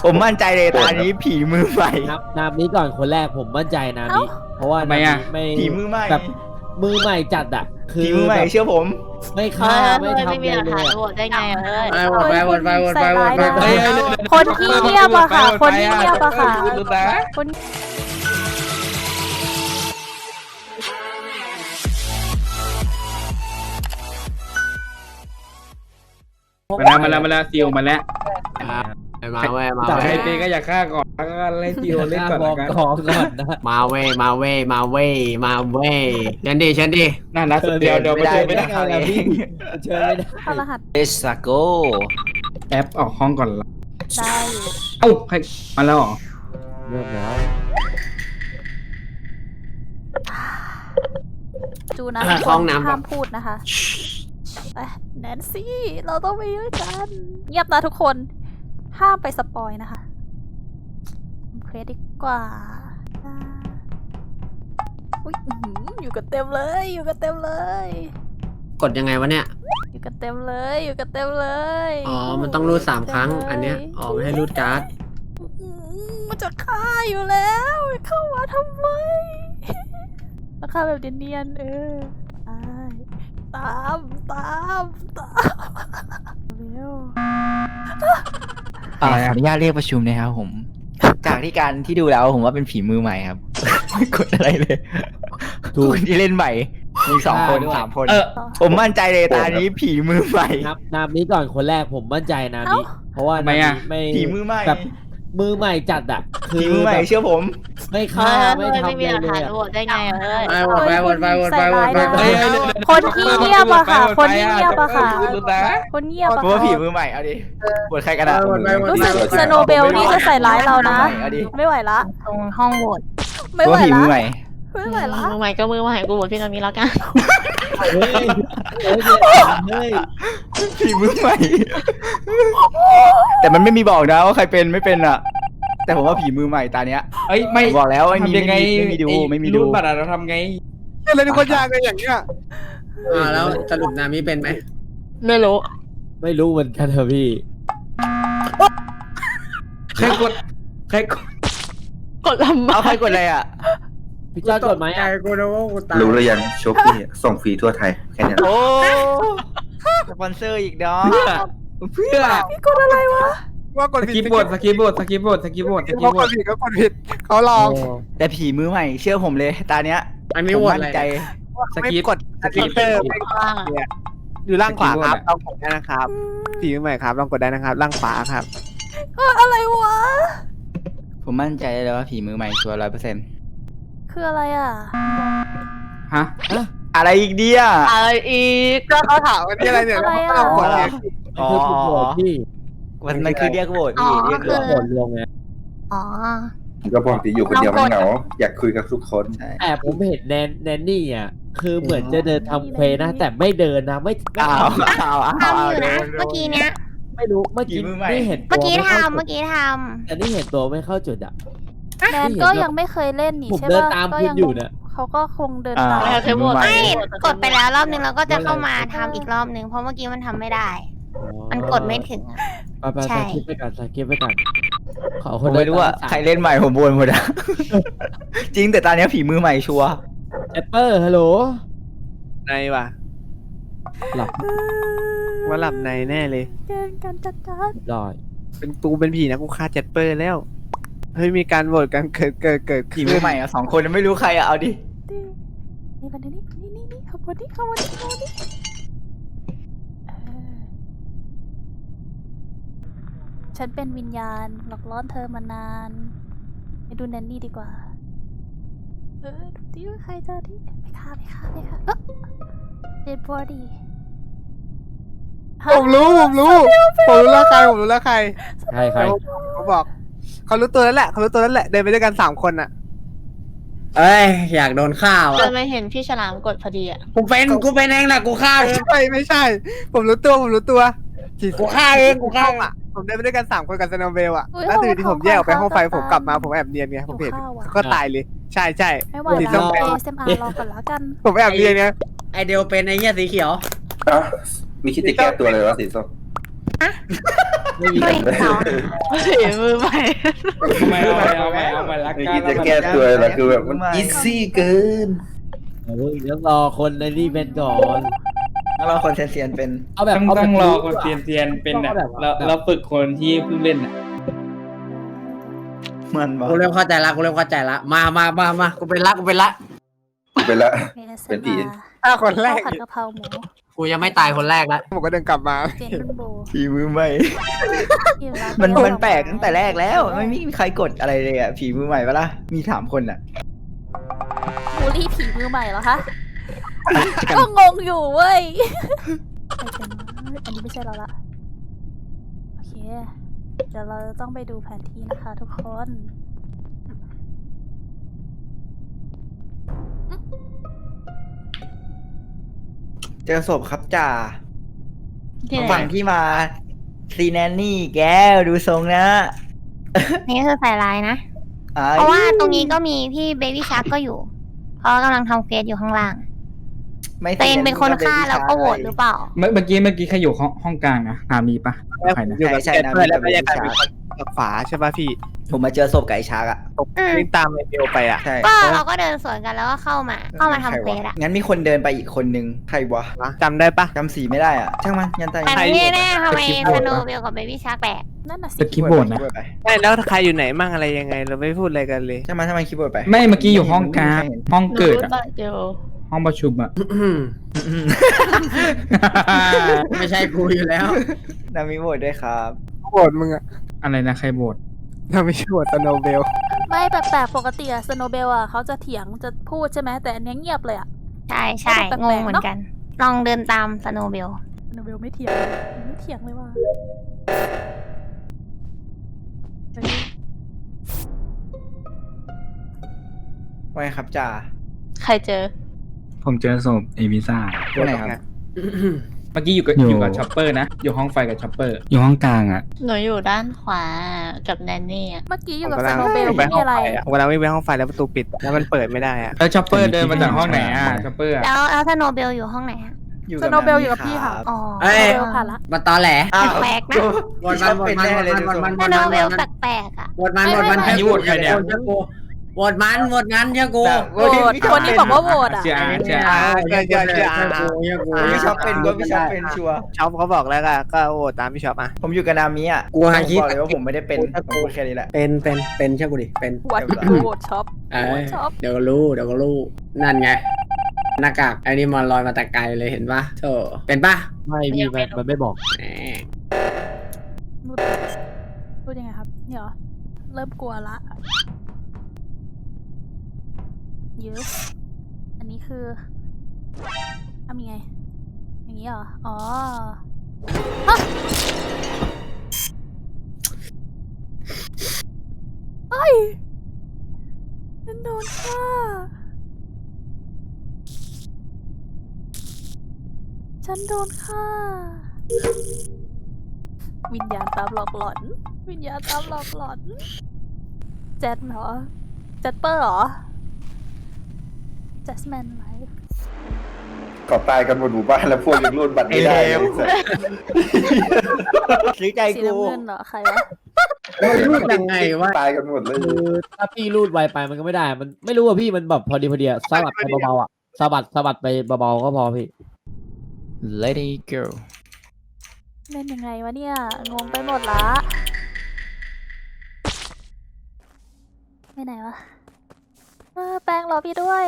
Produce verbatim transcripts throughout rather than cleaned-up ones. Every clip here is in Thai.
ผมมั่นใจเลยตอนนี้ผีมือใหม่นับนับนี้ก่อนคนแรกผมมั่นใจนะนี้เพราะว่าไม่ไม่ผีมือใหม่แบบมือใหม่จัดอะคือผีมือใหม่เชื่อผมไม่ฆ่าไม่ทำไม่มีหลักฐานโหวตได้ไงเอ้ยไปวนไปวนไปวนไปวนไปคนที่เงียบอะค่ะ คนที่เงียบอะค่ะคนมาแล้วมาแล้วมาแล้วซิลมาแล้วมาเว้ยมาใครเว้ยเป็นก็อยากฆ่าก่อนแล้วก็เล่นซิลเล่นก่อนบอกกันก่อนก่อนนะมาเว้ยมาเว้ยมาเว้ยมาเว้ยเชิญดิเชิญดิน่ารักเดี๋ยวเดี๋ยวมาเจอไม่ได้เอาแล้วพี่เชิญไม่ได้เข้ารหัสเอสโกแอปออกห้องก่อนละได้อยู่เอ้าใครมาแล้วเหรอเรียบร้อยจูนะทุกคนห้ามพูดนะคะไปแนนซี่เราต้องไปด้วยกันเงียบนะทุกคนห้ามไปสปอยนะคะทำเควสดีกว่าอ่าอุ๊ยอื้อหืออยู่กันเต็มเลย อยู่กันเต็มเลยกดยังไงวะเนี่ยอยู่กันเต็มเลย อยู่กันเต็มเลยอ๋อมันต้องรูดสามครั้งอันเนี้ยอ๋อไม่ให้รูดการ์ดอื้อหือมันจะฆ่าอยู่แล้วเข้ามาทำไมมาฆ่าแบบเนียนๆเออตามตามตามเร็วขออนุญาตเรียกประชุมนะครับผม จากที่การที่ดูแล้วผมว่าเป็นผีมือใหม่ครับ ไม่กดอะไรเลยคนที่เล่นใหม่มีสองคนสามคนเออผมมั่นใจเลยตอนนี้ผีมือใหม่นับนับนี้ก่อนคนแรกผมมั่นใจนะนี้เพราะว่าไม่ผีมือใหม่แบบมือใหม่จัดอะคือผีมือใหม่เชื่อผมไม่ฆ่าไม่ทำไม่มีหลักเลฐานยโหวตได้ไงเอ้ยไปวนไปวนไปวนไปวนไปคนที่เงียบอะค่ะ คนที่เงียบอะค่ะ คนเงียบอะเพราะว่าผีค่ะมือใหม่เอาดิปวดใครกันอะรู้สึกสโนเบลนี่จะใส่ร้ายเรานะเอาดิไม่ไหวละตรงห้องโหวตไม่เพราะไหวว่าผีละมือใหม่ไม่ไหวละมือใหม่ก็มือใหม่กูโหวตพี่นามีแล้วกันเฮ้ยเฮ้ยเฮ้ยผีมือใหม่ แต่มันไม่มีบอกนะว่าใครเป็นไม่เป็นอะแต่ผมว่าผีมือใหม่ตาเนี้ยเอ้ยไม่บอกแล้วไม่มีทำยังไงไม่มีดูไม่มีดูรูดบัตรอะเราทำไงอะไรเป็นคนยากเลยอย่างเงี้ยอ่าแล้วสรุปนามิเป็นไหมไม่รู้ไม่รู้เหมือนกันเถอะพี่ใครกดใครกดกดลำบาเอากใครกดอะไรอะพี่จ้ากดไหมใจอะกูนะว่ากูตายรู้หรือยังโชปี้ส่งฟรีทั่วไทยแค่นี้โอ้สปอนเซอร์อีกดอกเพื่อพี่กดอะไรวะว่ากดสผิดกิปบทสกิปบทสกิปบทสกิปบทสกิปเขาบกทดผิดเขากดผิดเขาลองแต่ผีมือใหม่เชื่อผมเลยตาเนี้ยอันนี้ผมโหวตมั่อะไรนใจสกิปกดสกิปเตอร์ว่างอะอยู่ล่างขวาครับลองกดได้นะครับผีใหม่ครับลองกดได้นะครับล่างขวาครับเอออะไรวะผมมั่นใจเลยว่าผีมือใหม่ชัวร์ร้อยเปอร์เซ็นต์คืออะไรอ่ะฮะอะไรอีกเดียอะไรอีกก็เขาถามว่านี่อะไรเนี่ยแล้วเขาก็ลองกดเนี่ยอ๋อคือถูกโหวตพี่มันมันคือเรียกโหวตพี่เรียกโหโหวตวตรวมไงอ๋อก็บอกที่อยู่คนเดียวมันเหงา อยากคุยกับทุกคนใช่แต่ผมเห็นแนนแนนนี่อ่ะคือเหมือนจะเดินทำเควสนะแต่ไม่เดินนะไม่ไม่อ้าวอ้าวอ้าวทำอยู่นะ เมื่อกี้เนี้ยไม่รู้เมื่อกี้ผีมือใหม่นี่เห็นเมื่อกี้ตัวไข้าทำ เมื่อกี้ทแต่นี่เห็นตัวไม่เข้าจุดอ่ะแนนก็ยังไม่เคยเล่นนี่ผมใช่เดินปะตามก็คุณยังอยู่เนี่ยเขาก็คงเดินอ่าตามไม่เอาเทปโหวตผีมือใหไม่ม่กดไปแล้วรอบนึงแล้วก็จะเข้ามาทำอีกรอบนึง เพราะเมื่อกี้มันทำไม่ได้ มันกดไม่ถึงอะไปไปใช่สกิปไปก่อนสกิปไปก่อนขอคผนมไม่รู้ว่าใครเล่นใหม่ผมบวนหมดอะ จริงแต่ตอนนี้ผีมือใหม่ชัวร์แอปเปอร์ฮัลโหลในว่ะหลับว่าหลับในแน่เลยเดินกันจัดจัดลอยเป็นตูเป็นผีนะกูฆ่าแจ็ดเปอร์แล้วเฮ้ยมีการโหวตกันเกิดเกิดเกิดผีมือใหม่อะสองคนไม่รู้ใครอะเอาดิดินี่มันนี่นี่นี่นี่ขบวนนี้ขบวนนี้ขบวนนี้เออฉันเป็นวิญญาณหลอกล่อเธอมานานไปดูแนนนี่ดีกว่า เออดูดิว่าใครจะดิไปฆ่าไปฆ่าไปฆ่าเออเดดบอดี้ผมรู้ผมรู้ผมรู้แล้วใครผมรู้แล้วใครใครใครเขาบอกเขารู้ตัวแล้วแหละเขารู้ตัวแล้วแหละเดินไปด้วยกันสามคนอ่ะเอ้ยอยากโดนฆ่าเดิว่ะนมาเห็นพี่ฉลามกดพอดีอะกูเป็นกูเป็นเองแหละกูฆ่าไม่เองใช่ไม่ใช่ ผมรู้ตัวผมรู้ตัวกูฆ่าเองกูฆ่าอ่ะผมเดินไปด้วยกันสามคนกับสโนว์เบลอ่ะอุ๊ยแล้วตื่นที่ผมแยกออกไปห้องไฟเขาผมกลับมาผมแอบเนียนไงผมเห็นเขาฆ่าว่ะก็ตายเลย ใช่ใช่ไม่ไหวสีแล้ส้วมเอสเอ็มอาร์รอก่อนแล้วกันผมแอบเนียนไงไอเดียวเป็นไอเหี้ยสีเขียวอ่ะมีคิดจะแก้ตัวเลยวะสีส้มไม่มีเฮ้ยเสาฝีมือใหม่เอาใหม่เอาใหม่เอาใหม่เอาใหม่ละไม่กัคิดนจะแก้ตัวแล้วคือแบบมันอีซี่เกินเฮ้ยเดี๋ยวรอคนในนี่เป็นก่อนแล้วเราคนเซียนๆเป็นเอาแบบต้องเอาแบต้บองรอคนรู้ะเซียนเซียนๆเป็นต้อ่ะองแบบเราเราฝึกคนที่เพิ่งเล่นอ่ะมันบอกกูเริ่มเข้าใจละกูเริ่มเข้าใจละมามามามากูเป็นละกูเป็นละไปละเมสเป็นผีถ้าคนแรข้าวกผัดกะเพราหมูกูยังไม่ตายคนแรกละผมก็เดินกลับมาเจนรุ่นโบผีมือใหม่อยู่ร้ามันเดียวมันแปลกตั้งแต่แรกแล้วไม่มีใครกดอะไรเลยอ่ะผีมือใหม่ปะล่ะมีสามคนอ่ะบูลลี่ผีมือใหม่เหรอคะ ก็งงอยู่เว้ยใครเป็นวะอันนี้ไม่ใช่เราละ โอเค เดี๋ยวเราต้องไปดูแผนที่นะคะทุกคนเจอศพครับจ่าที่ไหนฝั่งที่มาซีแนนนี่แกวดูทรงนะนี่คือใส่ลายนะอ่เพราะว่าตรงนี้ก็มีพี่เบบี้ชาร์กก็อยู่เพราะกำลังทำเควสอยู่ข้างล่างไม่ตัวเองเป็นคนฆ่าแล้วก็โหวตหรือเปล่าเมื่อเมื่อกี้เมื่อกี้ใครอยู่ห้องห้องกลางนะหามีปะใครนะอยู่กับแจ็คเปอร์แล้วก็ยังกลายเป็นคนกับฝาใช่ป่ะพี่ผมมาเจอศพไก่ชาร์กอ่ะตกวิ่งตามไอเบลไปอ่ะใช่ก็เราก็เดินสวนกันแล้วก็เข้ามา เข้ามาทำเควสอะงั้นมีคนเดินไปอีกคนนึงใครวะจำได้ปะจำสีไม่ได้อ่ะช่างมันยันตายแต่ใครไม่แน่ๆทำไมสกิปสโหวตโนว์เบลกับเบบี้ชาร์กแปลกนั่นน่ะสิสกิปโบนนะไปไม่แล้วใครอยู่ไหนมั่งอะไรยังไง เราไม่พูดอะไรกันเลยช่างมันช่างมันคีย์บอร์ดไปไม่เมื่อกี้อยู่ห้องกลางห้องเกิดอะเดี๋ยวห้องประชุมอ่ะไม่ใช่กูอยู่แล้วนามิโหวตด้วยครับโหวตมึงอะอะไรนะใครโบดเราไม่ใช่โหวตสโนว์เบลไม่แปลกๆปกติอะสโนเบลอะเขาจะเถียงจะพูดใช่ไหมแต่อันเนี้ยเงียบเลยอะใช่ใช่แปลกๆงงเหมือนกัน ลองเดินตามสโนว์เบลสโนเบลไม่เถียงไม่เถียงเลยว่าเฮ้ยว่าไงครับจ่าใครเจอผมเจอศพเอวิซ่าตัวไหนครับเมื่อกี้อยู่กับอยู่อยู่กับช็อปเปอร์นะอยู่ห้องไฟกับช็อปเปอร์อยู่ห้องกลางอ่ะหนูอยู่ด้านขวากับแนนนี่อะเมื่อกี้อยู่ผมกับกำสลังโนเบลไปไม่มีห้องอะไรไฟอะผมกำลังวิ่งไปห้องไฟแล้วประตูปิด แล้วมันเปิดไม่ได้อะแล้วช็อปเปอร์เดินมาจากห้องไหนอ่ะช็อปเปอร์อะแล้วแล้วสโนว์เบลอยู่ห้องไหนอะอยู่สกับโนเบลอยู่กับพี่ค่ะรับอ๋อเอ้ยสโนเบลผ่านละมาตอแหลอ้าวแปลกๆนะโหวตมันโหวตมันโหวตมันโหวตมันสโนว์เบลแปลกๆอะโหวตมันโหวตมันอันนี้โหวตใครเนี่ยเชื่อกูโหวตมันโหวตงั้นเชื่อกูโหวตคนนี้บอกว่าโหวตอะเชื่อเชื่ออ่าเชื่อเชื่อเชื่อเชื่อกูเชื่อกูพี่ชอบเป็นก็พี่ชอบเป็นชัวร์ช็อปเขาบอกแล้วก็ก็โหวตตามพี่ช็อปอ่ะผมอยู่กับนามิอ่ะกูหาคิดบอกเลยว่าผมไม่ได้เป็นผมพูดแค่นี้แหละเป็นเป็นเป็นเชื่อกูดิเป็นวัดโหวตช็อปเอโหวอตช็อปเดี๋ยวก็รู้เดี๋ยวก็รู้นั่นไงหน้ากากไอ้นี่มันลอยมาแต่ไกลเลยเห็นปะโธ่เป็นปะไม่พี่มันมันไม่บอกแหมพูดพูดยังไงครับเนี่ยเหรอเริ่มกลัวละเยอะอันนี้คือทำยังไง อย่างนี้เหรอ อ๋อฮะเอ้ยฉันโดนฆ่าฉันโดนฆ่า วิญญาณตามหลอกหลอน วิญญาณตามหลอกหลอนแจ็ดเหรอแจ็ดเปอร์เหรอแจสแมนไลฟ์ขอตายกันหมดหมู่บ้านแล้วพวกยังรูดบัตรไม่ได้ไอ้เลว ซื้อใจสีกูน้ำเงินเหรอ ใครวะรูดยังไงวะตายกันหมดเลยคือถ้าพี่รูดไวไปมันก็ไม่ได้ มันไม่รู้อะพี่มันแบบพอดีพอดีอะสะบัดไปเบาๆอะสะบัดสะบัดไปเบาๆก็พอพี่ Lady girl เล่นยังไงวะเนี่ย งงไปหมดละไปไหนวะเออแป้งรอพี่ด้วย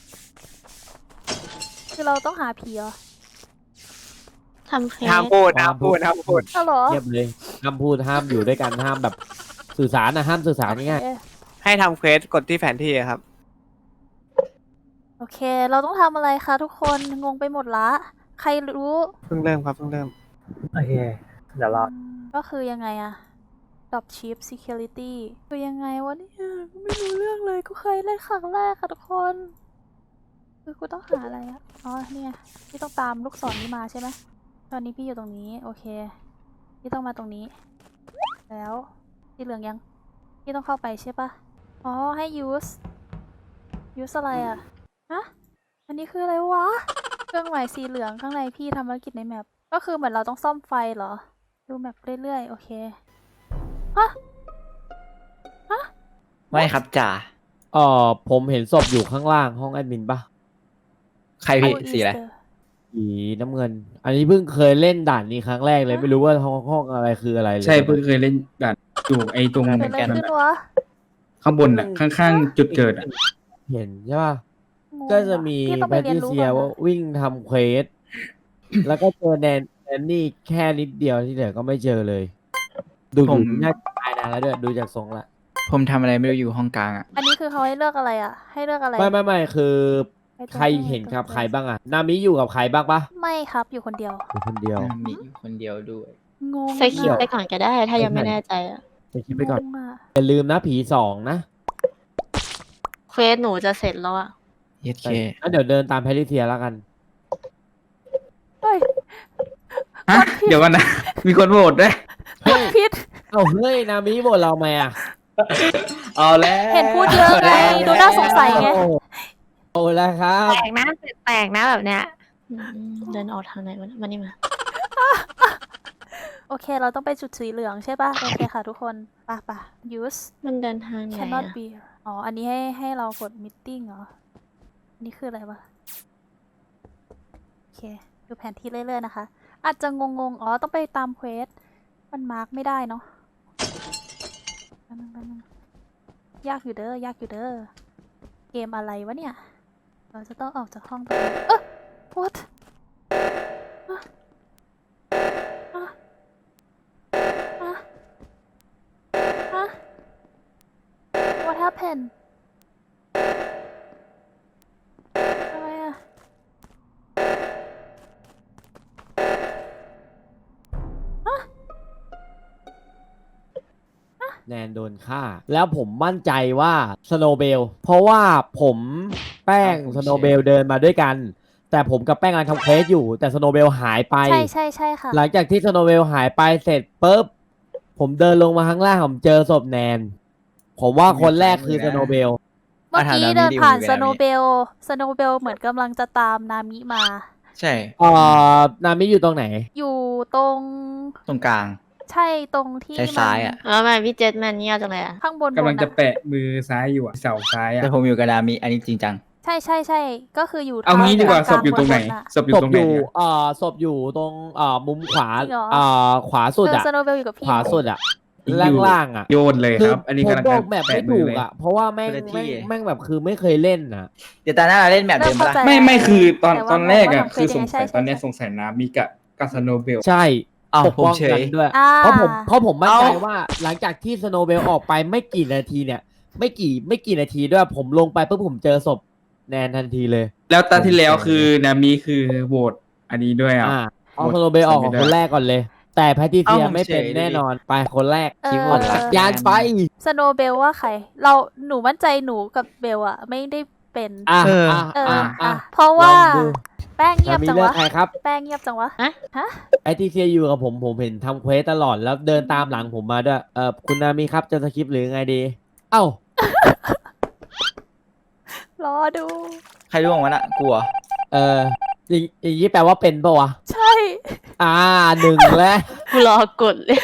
คือเราต้องหาผีเหรอทำเควสห้ามพูดห้ามพูดห้ามพูดอ้าวเหรอเงียบเลยห้ามพูดห้ามอยู่ด้วยกันห้ามแบบสื่อสารนะห้ามสื่อสารง่ายเอ๊ะให้ทำเควสกดที่แผนที่อะครับโอเค เราต้องทำอะไรคะทุกคน งงไปหมดละ ใครรู้เพิ่งเริ่มครับเพิ่งเริ่มโอเคเดี๋ยวรอก็คือยังไงอะ Drop Chip Security คือยังไงวะเนี่ยไม่รู้เรื่องเลยกูเคยเล่นครั้งแรกค่ะทุกคน คือกูต้องหาอะไรอะอ๋อเนี่ยพี่ต้องตามลูกศรนี้มาใช่ไหมตอนนี้พี่อยู่ตรงนี้โอเคพี่ต้องมาตรงนี้ แล้วสีเหลืองยังพี่ต้องเข้าไปใช่ปะอ๋อให้ use use อะไรอะฮะอันนี้คืออะไรวะเครื่องหมายสีเหลืองข้างในพี่ทำภารกิจในแมปก็คือเหมือนเราต้องซ่อมไฟเหรอดูแบบเรื่อยๆ โอเคไม่ครับจ่าเออผมเห็นศพอยู่ข้างล่างห้องแอดมินปะใครพี่ How is สีอะไร the- สีน้ำเงิน อันนี้เพิ่งเคยเล่นด่านนี้ครั้งแรกเลยไม่รู้ว่าห้องห้องอะไรคืออะไรเลยใช่เพิ่งเคยเล่นด่านอยู่ไอ้ตรงเกิดอะไรขึ้นวะข้างบนอ่ะ ข้างๆ จุดเกิดอ่ะเห็นใช่ปะงงก็จะมีพี่ต้องแพไปทเรียนริรู้เซียก่อนว่านะวิ่งทำเควส แล้วก็เจอแนนแนนนี่แค่นิดเดียวที่เหลือก็ไม่เจอเลย ดูผมดูน่าจะตายนานแล้วด้วยดูจากทรงละผมทำอะไรไม่รู้อยู่ห้องกลางอ่ะอันนี้คือเขาให้เลือกอะไรอ่ะ ให้เลือกอะไรไม่ไม่ไม่คือไอ้ตัวใครเห็นครับใครบ้างอะนามิอยู่กับใครบ้างปะไม่ครับ อยู่คนเดียวอยู่คนเดียวมีอยู่คนเดียวด้วยงงสกิปอะไปก่อนก็ได้ ถ้ายังไม่แน่ใจอะไปคิดไปก่อนงงอะอย่าลืมนะผีสองนะเควสหนูจะเสร็จแล้วอะเย็ดเคงั้นเดี๋ยวเดินตามแพทริเซียแล้วกันเฮ้ยฮะ เดี๋ยวกันนะ มีคนโหวตด้วยกดผิดเอ้าเฮ้ยนามิบ่นเราไหมอะเอาแล้วเห็นพูดเยอะไง ดูน่าสงสัยไงโอ้โอ้แล้วครับแปลกนะแปลกนะแบบเนี้ยอืมเดินออกทางไหนวะเนี่ยมานี่มาโอเค เราต้องไปจุดสีเหลืองใช่ป่ะ โอเคค่ะทุกคนป่ะป่ะ use มันเดินทางไหน cannot อะ be อ๋อ อันนี้ให้ให้เรากด meeting เหรอ อันนี้คืออะไรวะ โอเค ดูแผนที่เรื่อยๆนะคะ อาจจะงงๆ อ๋อ ต้องไปตามเควส มันมาร์กไม่ได้เนาะแป๊บนึงแป๊บนึงยากอยู่เด้อ ยากอยู่เด้อ เกมอะไรวะเนี่ย เราจะต้องออกจากห้องตรงนี้เอ๊ะ what อ่ะอ่ะอ่ะอ่ะ what happened อะไรอะแนนโดนฆ่า แล้วผมมั่นใจว่าสโนเบลเพราะว่าผมแป้งสโนเบลเดินมาด้วยกัน แต่ผมกับแป้งกำลังทำเควสอยู่ แต่สโนเบลหายไปใช่ใช่ใช่ค่ะหลังจากที่สโนเบลหายไปเสร็จปุ๊บผมเดินลงมาข้างล่างผมเจอศพแนน ผมว่าคนแรกคือสโนเบลเมื่อกี้อ่ะถามเดินนามิผ่านดิสวโนนามิเบล สโนเบลเหมือนกำลังจะตามนามิมาใช่เอ่อนามิอยู่ตรงไหนอยู่ตรงตรงกลางใช่ตรงที่ซ้ายๆอ่ะแล้วทำไมพี่เจษแมนเงียบจังเลยอะข้างบนกำลังบนจะอะแปะมือซ้ายอยู่อ่ะ เสาซ้ายอ่ะแต่ผมอยู่กับนามิอันนี้จริงจังใช่ใช่ใช่ก็คืออยู่เอางี้ดีกว่าทศพอยู่ตรงไหนบๆะศพอยู่ศพตรงอไหนยู่เนี่ยเอ่อศพอยู่ตรงเอ่อมุมขวาจริงเหรอเอ่อขวาสุดเอออะสโนเบลอยู่กับพี่ขวาสุดอะอยู่ล่างล่างๆอะโยนเลยครับ อันนี้ผมกำลังบจะอกแบบไม่แปะมืถูอก เลยอะเพราะว่าแม่งคนละที่แม่งแม่งแบบคือไม่เคยเล่นอะเดี๋ยวตาหน้าเราเล่นแบบเริ่เดิมมเข้าปะใจล่ะไม่ไม่คือตอนแต่ว่าตอนแรกอ่ะว่าทำคือสงสัยใช่ใช่ตอนเนี้ยใช่สงสัยนามิกะกับสโนเบลใช่อ้าวปกผมป้องเฉกันยด้วยอ่าเพราะผมเพราะผมมั่นใจเอ้าว่าหลังจากที่สโนเบลออกไปไม่กี่นาทีเนี่ย ไม่กี่ไม่กี่นาทีด้วยผมลงไปปุ๊บผมเจอศพแนนทันทีเลยแล้วตาที่แล้วคือนามิคือโหวตอันนี้ด้วยอ่ะอ่าเอาหมดสโนเบลออกของไม่ได้คนแรกก่อนเลย แต่แพทริเซียเอ้าผมไม่เป็นเฉยเลยแน่นอนไปคนแรกเออคิดว่ารักยานไปสโนเบลว่าใคร เราหนูมั่นใจหนูกับเบลอะไม่ได้เป็นอ่ะเอออ่ะเอออ่ะอ่ะอ่ะเพราะว่าลองดูแป้งเงียบนามิจังเลือกวะใครครับแป้งเงียบจังวะฮะฮะไอทีเซียอยู่กับผมผมเห็นทำเควสตลอดแล้วเดินตามหลังผมมาด้วยเออคุณนามิครับจะสคริปต์หรือไงดี เอ้ารอดูใครร่วงวะน่ะกลัวเอออย่างอย่างนี้แปลว่าเป็นปะวะใช่อ่าหนึ่งแล้วกูรอกดเลย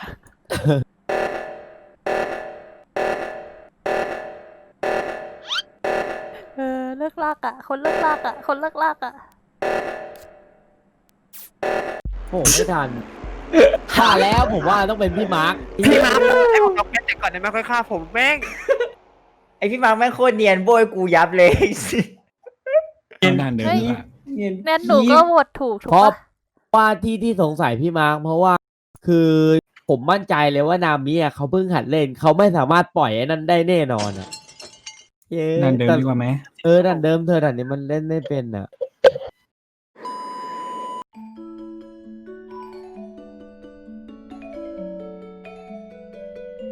เออเลิกลากอะคนเลิกลากอะคนเลิกลากอะโอ้ไม่ทันฆ่าแล้วผมว่าต้องเป็นพี่มาร์คพี่มาร์คให้ผมเอาแค่แต่ก่อนได้ไหมค่อยฆ่าผมแม่งไอพี่มาร์คแม่งโคตรเนียนโบยกูยับเลยด้านเดิมอ่ะแนนหนูก็โหวตถูกถูกเพราะปะว่าที่ที่สงสัยพี่มาร์คเพราะว่าคือผมมั่นใจเลยว่านามิอ่ะเขาเพิ่งหัดเล่นเขาไม่สามารถปล่อยไอ้นั่นได้แน่นอนอ่ะเย้ด้านเดิมแต่ดีกว่าไหมเออดันเดิมเธอดันนี้มันเล่นไม่เป็นอ่ะ